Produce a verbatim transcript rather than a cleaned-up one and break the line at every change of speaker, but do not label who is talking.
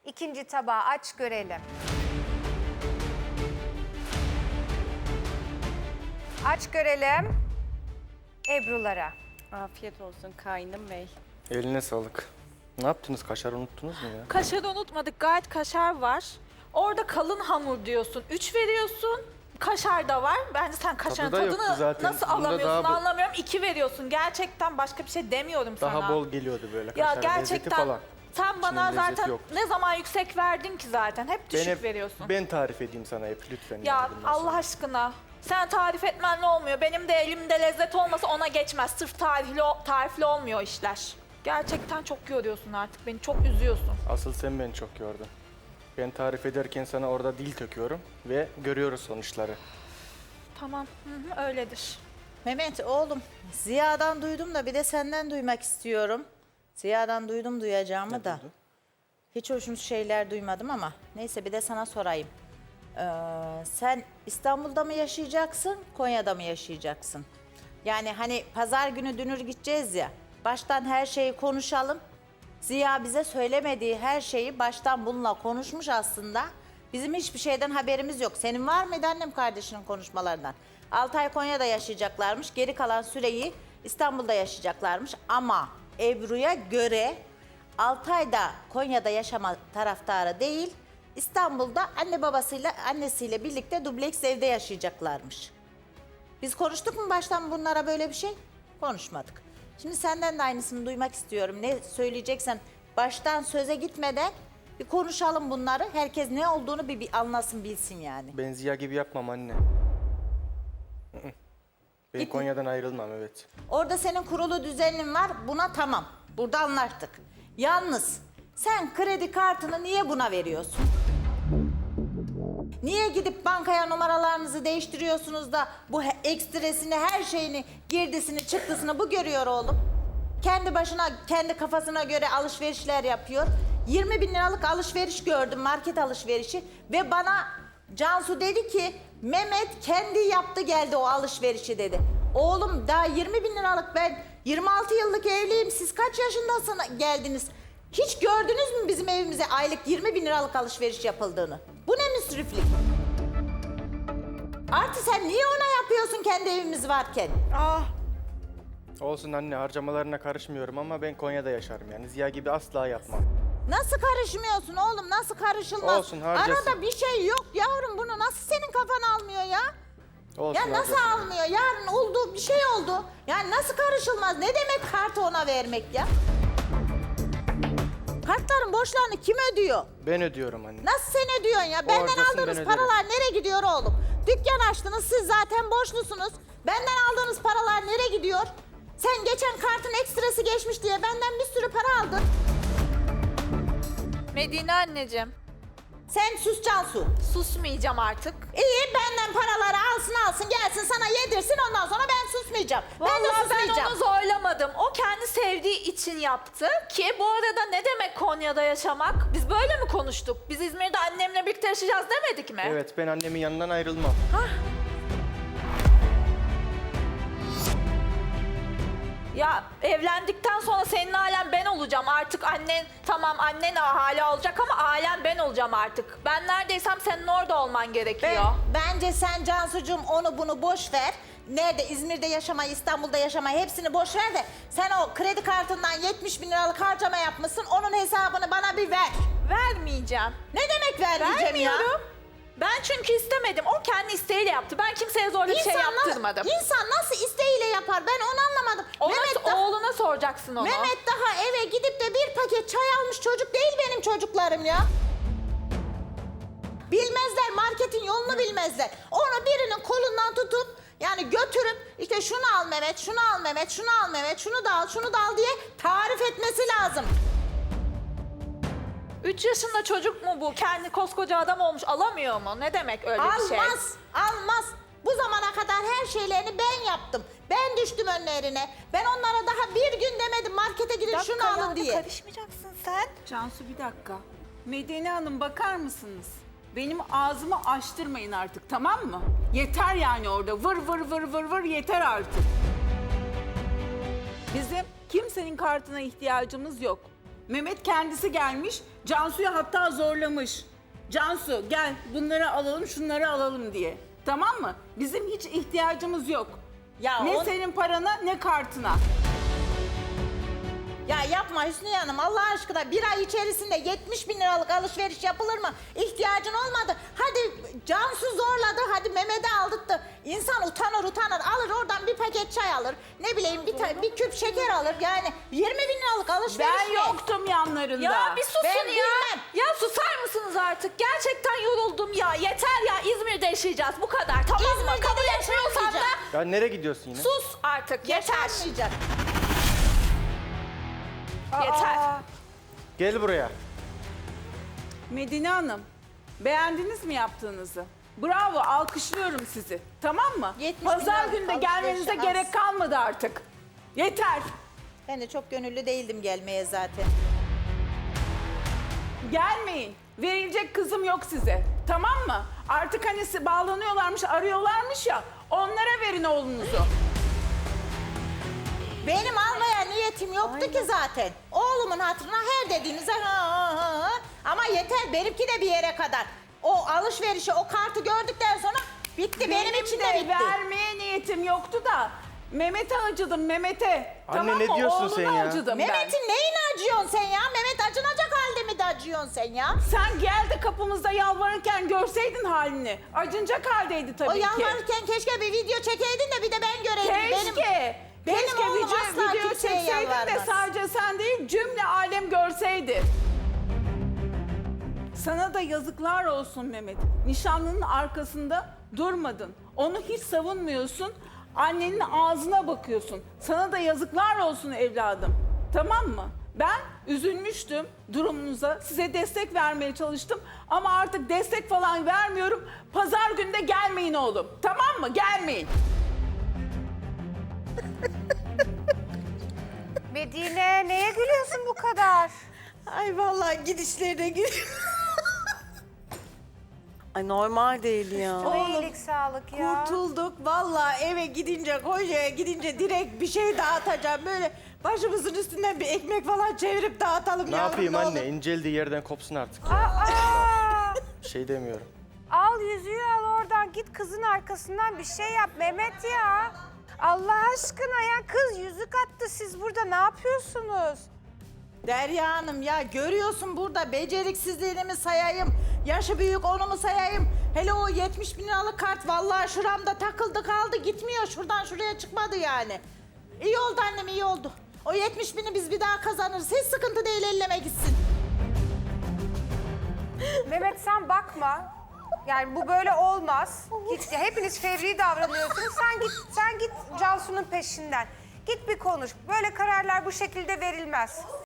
İkinci tabağı aç görelim. Aç görelim. Ebru'lara.
Afiyet olsun kaynım bey.
Eline sağlık. Ne yaptınız? Kaşar unuttunuz mu ya?
Kaşarı unutmadık. Gayet kaşar var. Orada kalın hamur diyorsun. Üç veriyorsun. Kaşar da var. Bence sen kaşarın
Tadı da yoktu
tadını
zaten.
nasıl
Bunda
alamıyorsun
daha bu-
anlamıyorum. İki veriyorsun. Gerçekten başka bir şey demiyorum sana.
Daha bol geliyordu böyle
Ya
kaşar lezzeti
gerçekten
falan.
sen bana
İçinde lezzet
zaten
yok.
ne zaman yüksek verdin ki zaten. Hep düşük
Ben, hep-
veriyorsun.
ben tarif edeyim sana hep lütfen.
Ya
yani bundan
Allah
sonra.
aşkına. Sen tarif etmenle olmuyor. Benim de elimde lezzet olmasa ona geçmez. Sırf tarifli, tarifli olmuyor işler. Gerçekten çok yoruyorsun artık. Beni çok üzüyorsun.
Asıl sen beni çok yordun. Ben tarif ederken sana orada dil töküyorum ve görüyoruz sonuçları.
Tamam, hı hı, öyledir.
Mehmet oğlum, Ziya'dan duydum da bir de senden duymak istiyorum. Ziya'dan duydum duyacağımı
Ne
da.
duydun?
Hiç hoşnut şeyler duymadım ama neyse bir de sana sorayım. Ee, sen İstanbul'da mı yaşayacaksın, Konya'da mı yaşayacaksın? Yani hani pazar günü dünür gideceğiz ya, baştan her şeyi konuşalım. Ziya bize söylemediği her şeyi baştan bununla konuşmuş aslında. Bizim hiçbir şeyden haberimiz yok. Senin var mıydı annem kardeşinin konuşmalarından? altı ay Konya'da yaşayacaklarmış. Geri kalan süreyi İstanbul'da yaşayacaklarmış. Ama Ebru'ya göre altı ayda Konya'da yaşama taraftarı değil, İstanbul'da anne babasıyla annesiyle birlikte dubleks evde yaşayacaklarmış. Biz konuştuk mu baştan bunlara böyle bir şey? Konuşmadık. Şimdi senden de aynısını duymak istiyorum. Ne söyleyeceksen baştan söze gitmeden bir konuşalım bunları. Herkes ne olduğunu bir, bir anlasın bilsin yani.
Ben Ziya gibi yapmam anne. Hı hı. Ben
Git-
Konya'dan ayrılmam evet.
Orada senin kurulu düzenin var. Buna tamam. Burada anlaştık. Yalnız sen kredi kartını niye buna veriyorsun? Niye gidip bankaya numaralarınızı değiştiriyorsunuz da bu he- ekstresini, her şeyini, girdisini, çıktısını bu görüyor oğlum. Kendi başına, kendi kafasına göre alışverişler yapıyor. yirmi bin liralık alışveriş gördüm, market alışverişi. Ve bana Cansu dedi ki, Mehmet kendi yaptı geldi o alışverişi dedi. Oğlum daha yirmi bin liralık, ben yirmi altı yıllık evliyim, siz kaç yaşındasınız geldiniz? Hiç gördünüz mü bizim evimize aylık yirmi bin liralık alışveriş yapıldığını? Bu ne müsriflik? Artı sen niye ona yapıyorsun kendi evimiz varken?
Ah,
Olsun anne, harcamalarına karışmıyorum ama ben Konya'da yaşarım yani. Ziya gibi asla yapmam.
Nasıl karışmıyorsun oğlum? Nasıl karışılmaz?
Olsun, harcasın.
Arada bir şey yok yavrum, bunu nasıl senin kafan almıyor ya?
Olsun,
Ya nasıl
harcasın.
almıyor? Yarın oldu, bir şey oldu. Yani nasıl karışılmaz? Ne demek kartı ona vermek ya? Kartların borçlarını kim ödüyor?
Ben ödüyorum anne.
Nasıl sen ödüyorsun ya? Benden
harcasın, ben
aldığınız
öderim.
paralar nereye gidiyor oğlum? Dükkan açtınız, siz zaten borçlusunuz. Benden aldığınız paralar nereye gidiyor? Sen geçen kartın ekstresi geçmiş diye benden bir sürü para aldın.
Medine anneciğim,
Sen sus Cansu.
susmayacağım artık.
İyi, benden paraları alsın alsın gelsin sana yedirsin, ondan sonra ben susmayacağım. ben de
Vallahi ben
susmayacağım.
onu zorlamadım. O kendi sevdiği için yaptı. Ki bu arada ne demek Konya'da yaşamak? Biz böyle mi konuştuk? Biz İzmir'de annemle birlikte yaşayacağız demedik mi?
Evet, ben annemin yanından ayrılmam.
Ya evlendikten sonra senin ailen ben olacağım. Artık annen, tamam annen hala olacak ama ailen ben olacağım artık. Ben neredeysem senin orada olman gerekiyor.
Ben- bence sen Cansucuğum onu bunu boş ver. Nerede, İzmir'de yaşamayı, İstanbul'da yaşamayı hepsini boş ver de sen o kredi kartından yetmiş bin liralık harcama yapmışsın, onun hesabını bana bir ver.
Vermeyeceğim.
Ne demek vermeyeceğim ya?
Vermiyorum. Ben çünkü istemedim. O kendi isteğiyle yaptı. Ben kimseye zorla bir şey
İnsan na-
yaptırmadım.
İnsan nasıl isteğiyle yapar, ben onu anlamadım.
Ona,
Mehmet, da-
oğluna soracaksın onu.
Mehmet daha eve gidip de bir paket çay almış çocuk değil benim çocuklarım ya. Bilmezler, marketin yolunu bilmezler. Onu birinin kolundan tutup yani götürüp işte şunu al Mehmet, şunu al Mehmet, şunu al Mehmet, şunu da al, şunu da al diye tarif etmesi lazım.
Üç yaşında çocuk mu bu? Kendi koskoca adam olmuş. Alamıyor mu? Ne demek öyle bir şey?
Almaz, almaz. Bu zamana kadar her şeylerini ben yaptım. Ben düştüm önlerine. Ben onlara daha bir gün demedim markete gidin
Bir
şunu
dakika
alın
ya,
diye.
Karışmayacaksın sen.
Cansu bir dakika. Medine Hanım bakar mısınız? Benim ağzımı açtırmayın artık, tamam mı? Yeter yani orada vır vır vır vır vır yeter artık. Bizim kimsenin kartına ihtiyacımız yok. Mehmet kendisi gelmiş. Cansu'yu hatta zorlamış. Cansu gel bunları alalım şunları alalım diye. Tamam mı? Bizim hiç ihtiyacımız yok.
Ya
ne
on-
senin parana ne kartına.
Ya yapma Hüsniye Hanım Allah aşkına bir ay içerisinde yetmiş bin liralık alışveriş yapılır mı? İhtiyacın olmadı. Hadi Cansu zorladı, hadi Mehmet'e aldırttı. İnsan utanır utanır alır oradan bir paket çay alır. Ne bileyim bir, ta- bir küp şeker alır. Yani yirmi bin liralık alışveriş
Ben
mi?
yoktum yanlarında.
Ya bir susun
Ben
ya.
bilmem.
Ya susar mısınız artık? Gerçekten yoruldum ya. Yeter ya, İzmir'de yaşayacağız bu kadar. Tamam mı?
İzmir'de
Kabul
de
etmiyorsan da
yaşamayacağım.
Ya nereye gidiyorsun yine?
sus artık. Yeter.
Yaşanmayacak.
Yeter.
Aa,
Gel buraya.
Medine Hanım, beğendiniz mi yaptığınızı? Bravo, alkışlıyorum sizi. Tamam mı?
yetmiş
Pazar
bin
günde
liralık
gelmenize
alışverişe az.
gerek kalmadı artık. Yeter.
Ben de çok gönüllü değildim gelmeye zaten.
Gelmeyin. Verilecek kızım yok size. Tamam mı? Artık hani si- bağlanıyorlarmış, arıyorlarmış ya. Onlara verin oğlunuzu.
Benim almaya niyetim yoktu ki zaten. Oğlumun hatırına her dediğinize ha ha ha ha. Ama yeter benimki de bir yere kadar. O alışverişi, o kartı gördükten sonra bitti. Benim, için de
de
bitti.
vermeye niyetim yoktu da Mehmet'e acıdım Mehmet'e.
Anne,
Tamam
ne
mı?
diyorsun
Oğluna
sen ya?
acıdım ben.
Mehmet'in neyine acıyorsun sen ya? Mehmet acınacak halde mi de acıyorsun sen ya?
Sen gel de kapımızda yalvarırken görseydin halini. Acınacak haldeydi tabii
O
ki.
yalvarırken keşke bir video çekeydin de bir de ben göreydim.
Keşke.
Benim, benim
Keşke
oğlum
video,
asla
video
kimseye
çekseydin de
yalvarmaz.
sadece sen değil cümle alem görseydi. Sana da yazıklar olsun Mehmet. Nişanlının arkasında durmadın. Onu hiç savunmuyorsun. Annenin ağzına bakıyorsun. Sana da yazıklar olsun evladım. Tamam mı? Ben üzülmüştüm durumunuza. Size destek vermeye çalıştım. Ama artık destek falan vermiyorum. Pazar günü de gelmeyin oğlum. Tamam mı? Gelmeyin.
Medine neye gülüyorsun bu kadar?
Ay vallahi gidişlerine gülüyorum.
Ay normal değil ya.
Çok iyilik sağlık ya.
Kurtulduk. Vallahi eve gidince, Konya'ya gidince direkt bir şey dağıtacağım. Böyle başımızın üstünden bir ekmek falan çevirip dağıtalım
Ne
yavrum,
yapayım
ne
anne?
olur.
İnceldiği yerden kopsun artık.
Aa,
Bir şey demiyorum.
al yüzüğü al oradan git kızın arkasından bir şey yap Mehmet ya. Allah aşkına ya kız yüzük attı siz burada ne yapıyorsunuz?
Derya Hanım ya görüyorsun burada beceriksizliğini mi sayayım? Yaşı büyük onu mu sayayım? Hele o yetmiş bin liralık kart vallahi şuramda takıldı kaldı gitmiyor. Şuradan şuraya çıkmadı yani. İyi oldu annem iyi oldu. O yetmiş bini biz bir daha kazanırız. Hiç sıkıntı değil elleme gitsin.
Mehmet sen bakma. Yani bu böyle olmaz. Git, hepiniz fevri davranıyorsunuz. Sen git, sen git Cansu'nun peşinden. Git bir konuş. Böyle kararlar bu şekilde verilmez.